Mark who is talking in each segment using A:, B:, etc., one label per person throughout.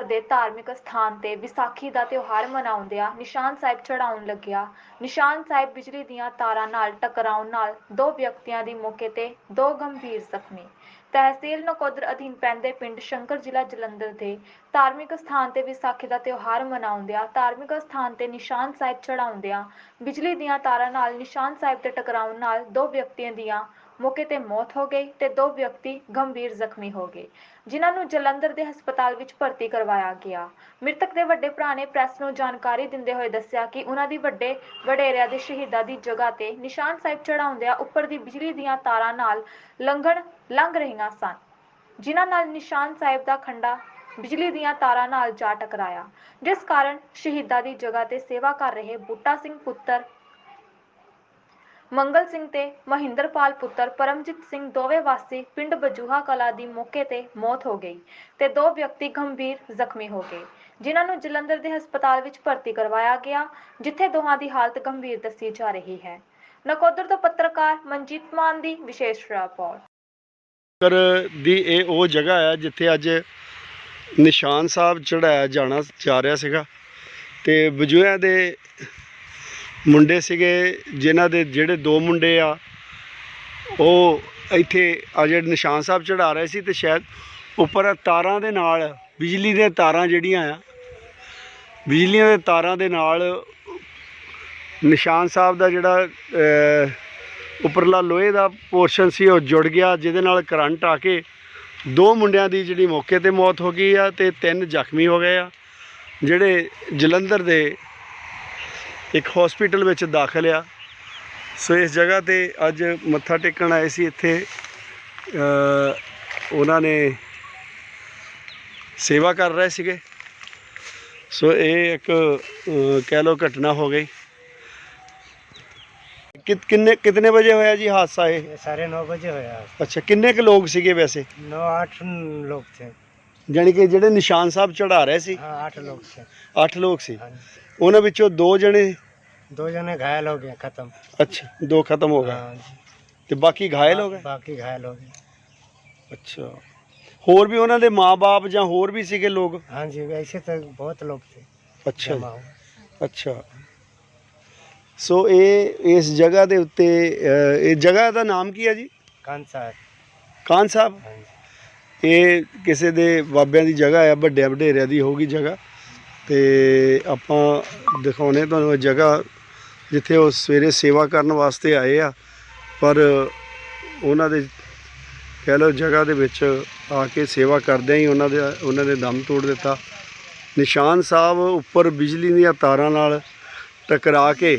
A: ਦੇ ਧਾਰਮਿਕ ਸਥਾਨ ਤੇ ਵਿਸਾਖੀ ਦਾ ਤਿਉਹਾਰ ਮਨਾਉਂਦਿਆਂ ਨਿਸ਼ਾਨ ਸਾਹਿਬ ਚੜਾਉਣ ਲੱਗਿਆ। ਨਿਸ਼ਾਨ ਸਾਹਿਬ ਬਿਜਲੀ ਦੀਆਂ ਤਾਰਾਂ ਨਾਲ ਟਕਰਾਉਣ ਨਾਲ 2 ਵਿਅਕਤੀਆਂ ਦੀ ਮੌਕੇ ਤੇ 2 ਗੰਭੀਰ ਜ਼ਖਮੀ। ਤਹਿਸੀਲ ਨਕੋਦਰ ਅਧੀਨ ਪੈਂਦੇ ਪਿੰਡ ਸ਼ੰਕਰ ਜ਼ਿਲ੍ਹਾ ਜਲੰਧਰ ਦੇ ਧਾਰਮਿਕ ਸਥਾਨ ਤੇ ਵਿਸਾਖੀ ਦਾ ਤਿਉਹਾਰ ਮਨਾਉਂਦਿਆਂ ਧਾਰਮਿਕ ਸਥਾਨ ਤੇ ਨਿਸ਼ਾਨ ਸਾਹਿਬ ਚੜਾਉਂਦਿਆਂ ਬਿਜਲੀ ਦੀਆਂ ਤਾਰਾਂ ਨਾਲ ਨਿਸ਼ਾਨ ਸਾਹਿਬ ਤੇ ਟਕਰਾਉਣ ਨਾਲ 2 ਵਿਅਕਤੀਆਂ ਦੀਆਂ मौके ते मौत हो गई ते 2 व्यक्ति गंभीर जख्मी हो गए, जिन्हां नूं जलंधर दे हस्पताल विच भर्ती करवाया गया। मृतक दे वड्डे भरा ने प्रैस नूं जानकारी दिंदे होए दस्सिया कि उन्हां दी वड्डे वडेरिया दे शहीदां दी जगह ते निशान साहिब चढ़ाउंदिआं उपर दी बिजली दीआं तारां नाल लंघ रहीआं सन, जिन्हां नाल निशान साहिब दा खंडा बिजली दीआं तारां नाल जा टकराया, जिस कारण शहीदां दी जगह ते सेवा कर रहे बूटा सिंह पुत्तर मंगल सिंह ते महिंदरपाल पुत्र परमजीत सिंह दोवे वासी पिंड बजूहा कला दी मौके ते मौत हो गई ते 2 व्यक्ति गंभीर जख्मी हो गए, जिन्हां नूं जलंधर दे हस्पताल विच भर्ती करवाया गया, जिथे दोहां दी हालत गंभीर दस्सी जा रही है। नकोदर तो पत्रकार मनजीत मान दी विशेष रिपोर्ट।
B: दी ਇਹ ਉਹ ਜਗ੍ਹਾ ਹੈ ਜਿੱਥੇ ਅੱਜ ਨਿਸ਼ਾਨ ਸਾਹਿਬ ਚੜਾਇਆ ਜਾਣਾ ਜਾ ਰਿਹਾ ਸੀਗਾ ਤੇ ਬਜੂਹਿਆਂ ਦੇ ਮੁੰਡੇ ਸੀਗੇ, ਜਿਨ੍ਹਾਂ ਦੇ ਜਿਹੜੇ 2 ਮੁੰਡੇ ਆ ਉਹ ਇੱਥੇ ਆ ਜਿਹੜੇ ਨਿਸ਼ਾਨ ਸਾਹਿਬ ਚੜਾ ਰਹੇ ਸੀ ਤੇ ਸ਼ਾਇਦ ਉੱਪਰ ਤਾਰਾਂ ਦੇ ਨਾਲ ਬਿਜਲੀ ਦੀਆਂ ਤਾਰਾਂ ਜਿਹੜੀਆਂ ਆ ਬਿਜਲੀਆਂ ਦੇ ਤਾਰਾਂ ਦੇ ਨਾਲ ਨਿਸ਼ਾਨ ਸਾਹਿਬ ਦਾ ਜਿਹੜਾ ਉੱਪਰਲਾ ਲੋਹੇ ਦਾ ਪੋਰਸ਼ਨ ਸੀ ਉਹ ਜੁੜ ਗਿਆ, ਜਿਹਦੇ ਨਾਲ ਕਰੰਟ ਆ ਕੇ 2 ਮੁੰਡਿਆਂ ਦੀ ਜਿਹੜੀ ਮੌਕੇ ਤੇ ਮੌਤ ਹੋ ਗਈ ਆ ਤੇ 3 ਜ਼ਖਮੀ ਹੋ ਗਏ ਆ, ਜਿਹੜੇ ਜਲੰਧਰ ਦੇ एक हॉस्पिटल में दाखिल आ। सो इस जगह ते अज मत्था टेकन आए सी, इत्थे उन्होंने सेवा कर रहे सीगे। सो ये एक कह लो घटना हो गई। कितने बजे होया जी हादसा? ये
C: 9:30 बजे होया।
B: अच्छा, किन्ने के लोग सीगे वैसे?
C: 9-8 लोग थे,
B: जानी कि जेडे निशान साहब चढ़ा रहे सी?
C: हाँ, 8 लोग थे।
B: 8 लोग सी। उन्होंने विचों
C: 2 जने घायल हो गए, खत्म।
B: अच्छा, 2 खत्म हो गए।
C: हाँ,
B: तो बाकी घायल हो गए?
C: बाकी घायल हो गए।
B: अच्छा, होर भी उन्होंने माँ बाप या होर भी सीगे लोग?
C: हाँ जी, ऐसे तो बहुत लोग थे।
B: अच्छा अच्छा। सो ये इस जगह के उत्ते इस जगह का नाम की है जी?
C: कान साहब।
B: कान साहब?
C: हाँ जी।
B: ये किसी के बाबिया की जगह है, वड्डे वडेरिया की होगी जगह। तो आपां दिखाने तुहानूं जगह जिथे वो सवेरे सेवा करने वास्ते आए आ, पर उन्होंने कह लो जगह दे विच आके सेवा करदे ही उन्होंने दम तोड़ दिता। निशान साहब उपर बिजली दीआं तारां नाल टकरा के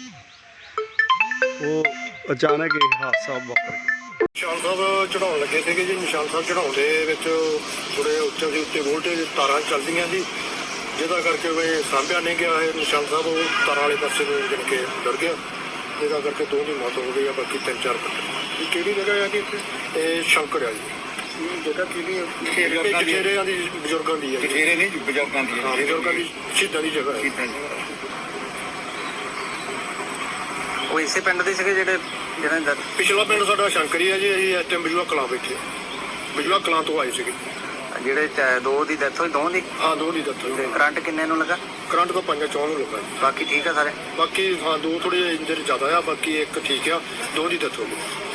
B: वो अचानक एक हादसा वापर गया।
D: निशान साहब चढ़ाउण लगे थे जी। निशान साहब चढ़ाउण दे विच थोड़े उत्ते दी उत्ते वोल्टेज तारां चलदियां जी, जिहदा करके वे सामभ्या नहीं गया है। निशान साहब वो तारां वाले पासे में जन के डर गया, जिहदा करके 2 की मौत हो गई है, बाकी 3-4 बंदे। किहड़ी जगह है कि इत्थे? शंकर है जी। जगह किहड़ी? जठेरिਆਂ ਦੀ ਬਜ਼ੁਰਗਾਂ ਦੀ ਹੈ। ਜਠੇਰੇ ਨਹੀਂ, ਬਜ਼ੁਰਗਾਂ ਦੀ। ਹਾਂ, ਬਜ਼ੁਰਗਾਂ ਦੀ ਸ਼ਹੀਦਾਂ ਦੀ ਜਗ੍ਹਾ ਹੈ।
E: ਉਹ ਇਸੇ ਪਿੰਡ ਦੇ ਸੀਗੇ ਜਿਹੜੇ
D: ਪਿਛਲਾ ਪਿੰਡ ਸਾਡਾ ਸ਼ੰਕਰੀ ਹੈ ਜੀ। ਅਸੀਂ ਇਸ ਟਾਈਮ ਬਜੂਆ ਕਲਾਂ ਬੈਠੇ, ਬਜੂਆ ਕਲਾਂ ਤੋਂ ਆਏ ਸੀਗੇ।
E: ਜਿਹੜੇ 2 ਦੀ ਡੈਥ ਹੋਈ? 2 ਦੀ?
D: ਹਾਂ, 2 ਦੀ ਡੈਥ ਹੋਈ।
E: ਕਰੰਟ ਕਿੰਨੇ ਨੂੰ ਲੱਗਾ?
D: ਕਰੰਟ ਤਾਂ 5-4 ਨੂੰ ਲੱਗਾ ਜੀ।
E: ਬਾਕੀ ਠੀਕ ਆ ਸਾਰੇ?
D: ਬਾਕੀ ਹਾਂ 2 ਥੋੜੇ ਇੰਜਰ ਜ਼ਿਆਦਾ ਆ, ਬਾਕੀ 1 ਠੀਕ ਆ, 2 ਦੀ ਡੈਥ ਹੋ ਗਈ।